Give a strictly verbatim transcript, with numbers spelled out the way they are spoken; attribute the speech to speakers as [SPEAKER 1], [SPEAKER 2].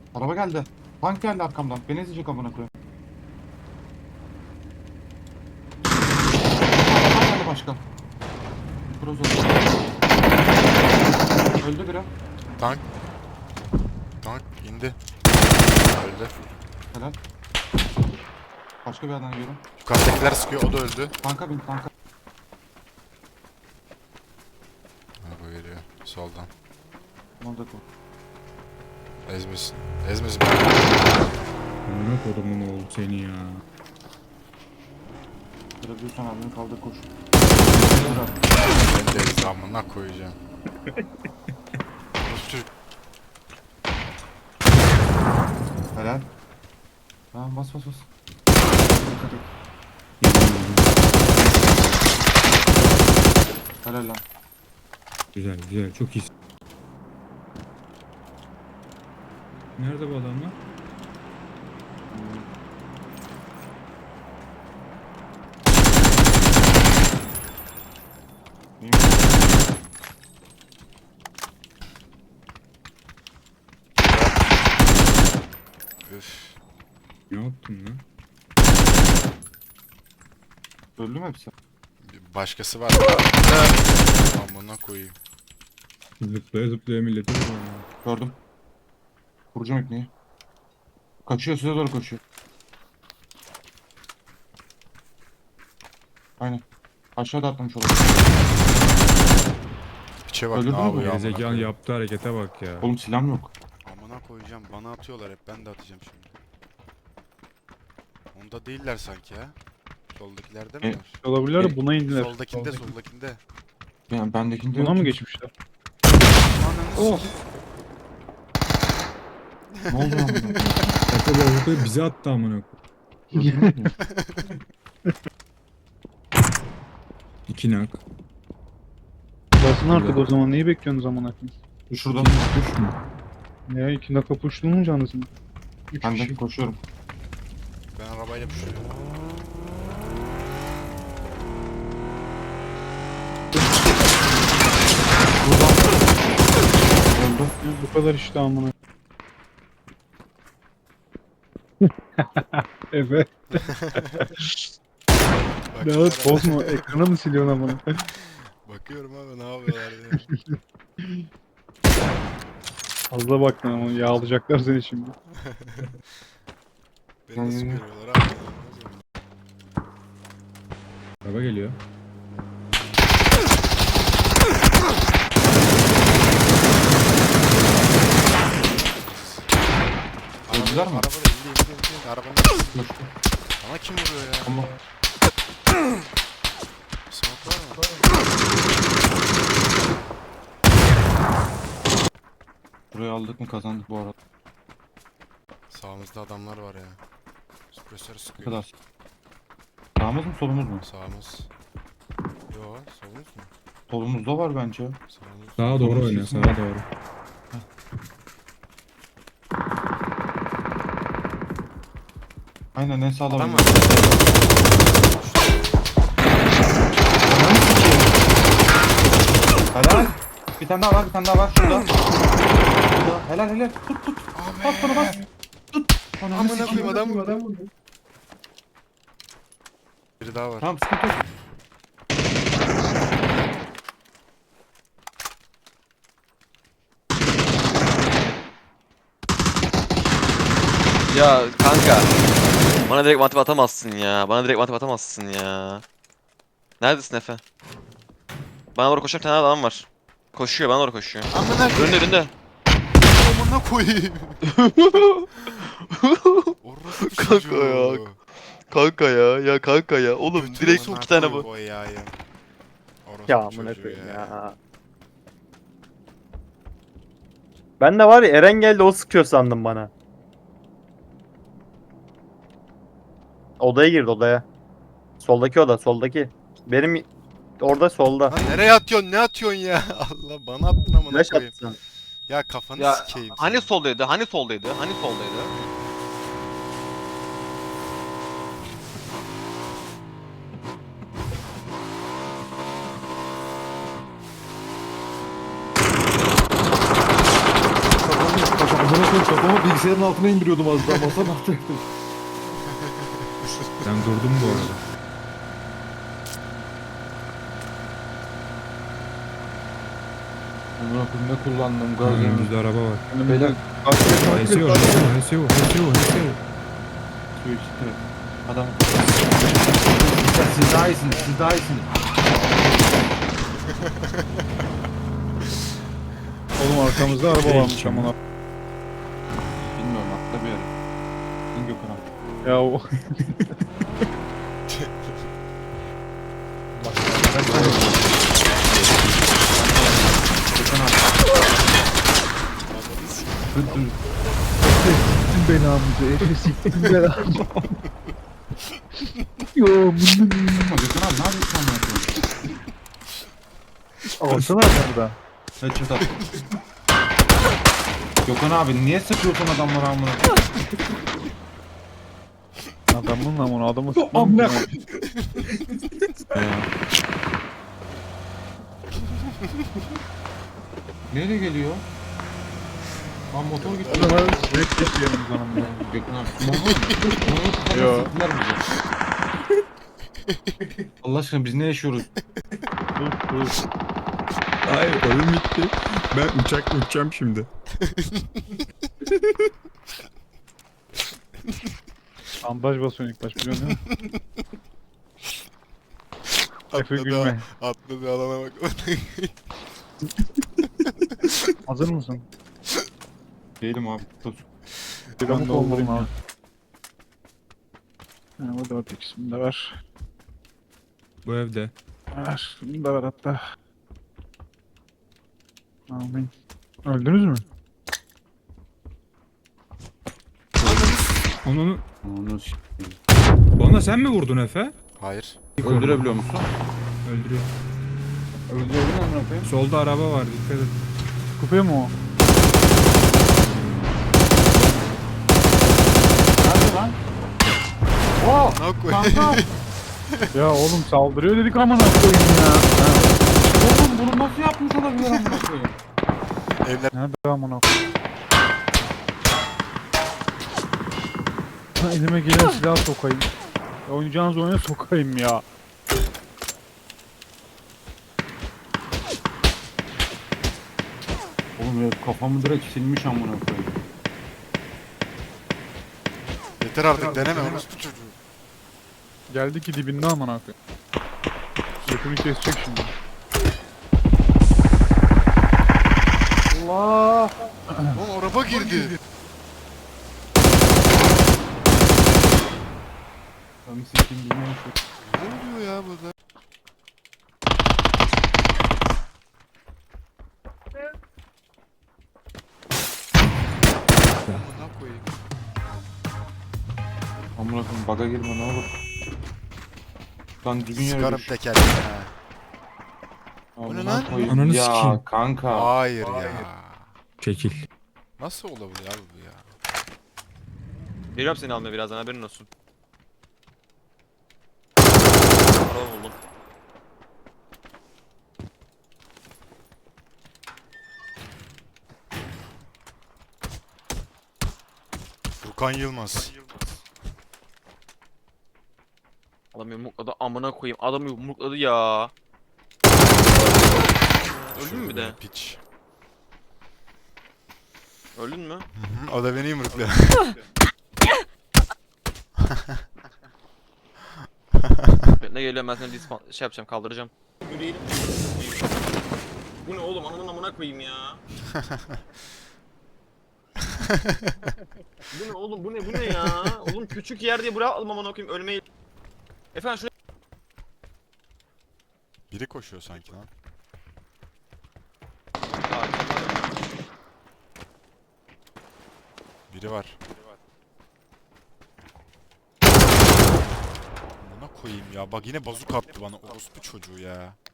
[SPEAKER 1] Araba geldi. Tank geldi arkamdan. Beni ezecek amına koyayım. Araba geldi başka. Kroz öldü. Öldü biri.
[SPEAKER 2] Tank. Tank indi. Öldü.
[SPEAKER 1] Helal. Başka bir yerden geliyorum.
[SPEAKER 2] Yukarıdakiler sıkıyor, o da öldü.
[SPEAKER 1] Tanka bin tanka.
[SPEAKER 2] Araba geliyor soldan.
[SPEAKER 1] Orada kal.
[SPEAKER 2] Ezmesin. Ezmesin.
[SPEAKER 3] Amına kodumun oğlu seni ya.
[SPEAKER 1] Görebiliyorsan abini kaldır koş.
[SPEAKER 2] Ben de ezamına koyacağım. Çocuk.
[SPEAKER 1] Helal. Tamam bas bas bas. Dikkat et. Helal lan.
[SPEAKER 3] Güzel güzel çok iyisin. Nerede bu adamlar?
[SPEAKER 1] İyi.
[SPEAKER 2] Üf.
[SPEAKER 3] Ne yaptın lan?
[SPEAKER 1] Öldü mü hepsi?
[SPEAKER 2] Başkası var. Amına koyayım.
[SPEAKER 3] Zıplaya zıplaya milleti vuruyor ya.
[SPEAKER 1] Gördüm. Vuracağım ipneyi. Kaçıyor size doğru koşuyor. Aynen. Aşağıda atlamış olabilir.
[SPEAKER 2] Piçe bak
[SPEAKER 1] Öldürdün
[SPEAKER 2] ne
[SPEAKER 1] mü?
[SPEAKER 2] yapıyor amına
[SPEAKER 3] Gerizekalı
[SPEAKER 2] koyayım.
[SPEAKER 3] yaptığı harekete bak ya.
[SPEAKER 1] Oğlum silahım yok.
[SPEAKER 2] Amına koyacağım. Bana atıyorlar hep. Ben de atacağım şimdi. Onda değiller sanki ha. Soldakilerde mi
[SPEAKER 1] E,
[SPEAKER 2] var?
[SPEAKER 4] Olabilirler
[SPEAKER 1] E,
[SPEAKER 4] buna indiler.
[SPEAKER 2] Soldakinde, soldakinde.
[SPEAKER 1] Yani bendekinde
[SPEAKER 4] Buna
[SPEAKER 1] yok.
[SPEAKER 4] mı geçmişler?
[SPEAKER 2] Ananı
[SPEAKER 4] Oh.
[SPEAKER 2] sikeyim.
[SPEAKER 1] Ne oldu lan buna?
[SPEAKER 3] Şaka bu avukayı bize attı amına koyayım.
[SPEAKER 1] Öldürmedin mi?
[SPEAKER 3] İki nak.
[SPEAKER 4] Basın artık o zaman neyi bekliyorsunuz zaman akın?
[SPEAKER 1] Şuradan
[SPEAKER 3] Düş mü?
[SPEAKER 4] Ya iki dakika puştunun canlısın. Üç
[SPEAKER 1] ben de
[SPEAKER 4] kişi.
[SPEAKER 1] koşuyorum.
[SPEAKER 2] Ben arabayla pişiriyorum.
[SPEAKER 1] Öldü.
[SPEAKER 4] Ya bu kadar işte amına. Evet.
[SPEAKER 2] Bak,
[SPEAKER 4] Dağıt
[SPEAKER 2] araba-
[SPEAKER 4] bozma. Ekranı mı siliyorsun amına?
[SPEAKER 2] Bakıyorum abi ne yapıyorlar ya.
[SPEAKER 4] Fazla baktın ama yağlayacaklar seni şimdi.
[SPEAKER 2] Beni nasıl görüyorlar abi?
[SPEAKER 3] Araba geliyor.
[SPEAKER 1] Öldüler mi?
[SPEAKER 2] Araba da indi indi indi indi. Arabanın arkasında.
[SPEAKER 1] Koştu.
[SPEAKER 2] Bana kim vuruyor ya?
[SPEAKER 1] Ama
[SPEAKER 2] Smoke var mı?
[SPEAKER 1] burayı aldık mı kazandık bu arada.
[SPEAKER 2] Sağımızda adamlar var ya. Süpresör
[SPEAKER 1] Ne
[SPEAKER 2] sıkıyor.
[SPEAKER 1] kadar? Sağımız mı solumuz mu?
[SPEAKER 2] Sağımız. Yo, solumuz mu?
[SPEAKER 1] Solumuzda var bence.
[SPEAKER 2] Sağımız.
[SPEAKER 3] Sağa doğru oyna sağa doğru.
[SPEAKER 1] Aynen en sağda
[SPEAKER 2] Adam
[SPEAKER 1] var.
[SPEAKER 2] var.
[SPEAKER 1] Helal. Bir tane daha var, bir tane daha var şurada. Şurada. Helal helal. Tut tut. Bas bana bas. Tut. Ananı
[SPEAKER 2] Amına
[SPEAKER 1] sikeyim.
[SPEAKER 2] koyayım adam vurdu. Biri daha var.
[SPEAKER 1] Tamam sıkıntı yok.
[SPEAKER 5] Ya kanka. Bana direkt matip atamazsın ya. Bana direkt matip atamazsın ya. Neredesin Efe? Bana doğru koşan bir tane adam var. Koşuyor, bana doğru koşuyor.
[SPEAKER 2] Amına koyayım.
[SPEAKER 5] Önünde önünde.
[SPEAKER 2] Amına koyayım. Orospu
[SPEAKER 5] Kanka
[SPEAKER 2] çocuğu.
[SPEAKER 5] ya. Kanka ya, ya kanka ya. Oğlum
[SPEAKER 2] Götür
[SPEAKER 5] direkt
[SPEAKER 2] amına
[SPEAKER 5] iki tane
[SPEAKER 2] koy
[SPEAKER 5] bu.
[SPEAKER 2] o yayı. Orospu
[SPEAKER 6] Ya amına
[SPEAKER 2] çocuğu
[SPEAKER 6] koyayım ya. Ben de var ya Eren geldi o sıkıyor sandım bana. Odaya girdi odaya. Soldaki oda soldaki. Benim orada solda.
[SPEAKER 2] Lan nereye atıyorsun? Ne atıyorsun ya? Allah bana attın amına
[SPEAKER 6] Flash
[SPEAKER 2] koyayım.
[SPEAKER 6] attı sana.
[SPEAKER 2] Ya kafanı
[SPEAKER 5] Ya
[SPEAKER 2] sikeyim.
[SPEAKER 5] hani
[SPEAKER 2] senin.
[SPEAKER 5] soldaydı? Hani soldaydı? Hani soldaydı?
[SPEAKER 3] Amına
[SPEAKER 1] koyayım kafamı bilgisayarın altına indiriyordum az daha masanın altına.
[SPEAKER 3] Ben durdum bu arada.
[SPEAKER 1] Amına koyayım ne kullandım
[SPEAKER 3] Ha,
[SPEAKER 1] gaz yani.
[SPEAKER 3] önümüzde araba var.
[SPEAKER 1] Beyler
[SPEAKER 3] H S O, H S O, H S O, H S O, H S O.
[SPEAKER 1] su içti. Adam. Siz daha iyisiniz, siz daha iyisiniz.
[SPEAKER 4] Oğlum arkamızda araba varmış amına.
[SPEAKER 1] Bilmiyorum atla bir yere. İn Gökhan abi.
[SPEAKER 4] Ya o
[SPEAKER 1] Bak, ben sana- Gökhan abi. Dur dur.
[SPEAKER 4] siktin belamızı. Efe siktin belamızı. Yo bunu
[SPEAKER 1] Ama Gökhan abi ne yapıyorsun amına koyayım?
[SPEAKER 4] alsana arkamda.
[SPEAKER 1] Evet şurada. Gökhan abi niye sıkıyorsun adamları amına?
[SPEAKER 4] Adamın amına adamı sıkmam.
[SPEAKER 1] Amına
[SPEAKER 4] ki ben.
[SPEAKER 1] Nereye geliyor? Lan motor gitti.
[SPEAKER 4] O zaman sürekli geçiyorum canım.
[SPEAKER 1] Gökhan abi. Motor
[SPEAKER 4] Yo.
[SPEAKER 1] Motor sıktılar bizi. Allah aşkına biz ne yaşıyoruz?
[SPEAKER 4] Dur dur.
[SPEAKER 3] Hayır oyun bitti. Ben uçakla uçacağım şimdi.
[SPEAKER 4] Bandaj basıyorsun ilk baş biliyorsun değil mi? Efe
[SPEAKER 2] Atladı,
[SPEAKER 4] gülme.
[SPEAKER 2] atladı alana bak.
[SPEAKER 4] Hazır mısın?
[SPEAKER 1] Değilim abi. Dur.
[SPEAKER 4] Bir
[SPEAKER 1] Ben
[SPEAKER 4] amuk
[SPEAKER 1] de
[SPEAKER 4] olmalım
[SPEAKER 1] olayım
[SPEAKER 4] abi. Ha, bu dört ikisini de ver.
[SPEAKER 3] Bu evde.
[SPEAKER 4] Ver. Bunu da ver hatta. Amin. Öldünüz mü?
[SPEAKER 3] Onu
[SPEAKER 1] Onu s-
[SPEAKER 3] bana sen mi vurdun Efe?
[SPEAKER 2] Hayır.
[SPEAKER 1] öldürebiliyor musun?
[SPEAKER 3] Öldürüyor.
[SPEAKER 1] Öldürebiliyor musun amına koyayım?
[SPEAKER 3] Solda araba var dikkat et.
[SPEAKER 4] Kupaya mı o?
[SPEAKER 1] Nerede lan? Oo!
[SPEAKER 2] Ne koy?
[SPEAKER 1] Kanka!
[SPEAKER 4] Ya oğlum saldırıyor dedik amına koyayım ya.
[SPEAKER 1] Oğlum bunu nasıl yapmış olabilir amına koyayım?
[SPEAKER 2] Evler
[SPEAKER 4] Nerede amına koyayım? Ha, elime gelen silah sokayım. Ya, oynayacağınız oyuna sokayım ya.
[SPEAKER 1] Oğlum ya kafamı direkt silmiş amına koyayım.
[SPEAKER 2] yeter artık deneme orospu çocuğu.
[SPEAKER 4] Geldi ki dibinde amına koyayım. Götünü kesecek şimdi.
[SPEAKER 1] Allah!
[SPEAKER 2] Oğlum araba girdi.
[SPEAKER 1] Ben sikeyim bilmiyorum şu.
[SPEAKER 2] Ne oluyor ya burada? Amına koyayım.
[SPEAKER 1] Amına koyayım baga girme ne olur. Lan düzgün yere
[SPEAKER 2] Sıkarım
[SPEAKER 1] düş.
[SPEAKER 2] tekerleğine ha.
[SPEAKER 1] Amına
[SPEAKER 2] Bu ne lan?
[SPEAKER 1] koyayım.
[SPEAKER 3] Ananı
[SPEAKER 1] ya
[SPEAKER 3] sikeyim.
[SPEAKER 1] kanka.
[SPEAKER 2] Hayır ya.
[SPEAKER 3] Çekil.
[SPEAKER 2] Nasıl olabilir abi bu ya?
[SPEAKER 5] Geliyorum seni almaya birazdan haberin olsun. Araba buldum.
[SPEAKER 2] Furkan Yılmaz.
[SPEAKER 5] Adam yumrukladı amına koyayım. Adam yumrukladı ya. Öldün mü bir de?
[SPEAKER 2] Piç.
[SPEAKER 5] Öldün mü?
[SPEAKER 2] Hı hı, o da beni yumrukluyor.
[SPEAKER 5] Ne geliyor ben seni dispa- şey yapacağım kaldıracağım. Yürüyelim. Bu ne oğlum ananın amına koyayım ya. Bu ne oğlum bu ne bu ne ya? Oğlum küçük yer diye buraya almam amına koyayım ölmeyi. Efendim şuraya
[SPEAKER 2] Biri koşuyor sanki lan. Biri var. Amına koyayım ya. Bak yine bazuk attı bana orospu çocuğu ya.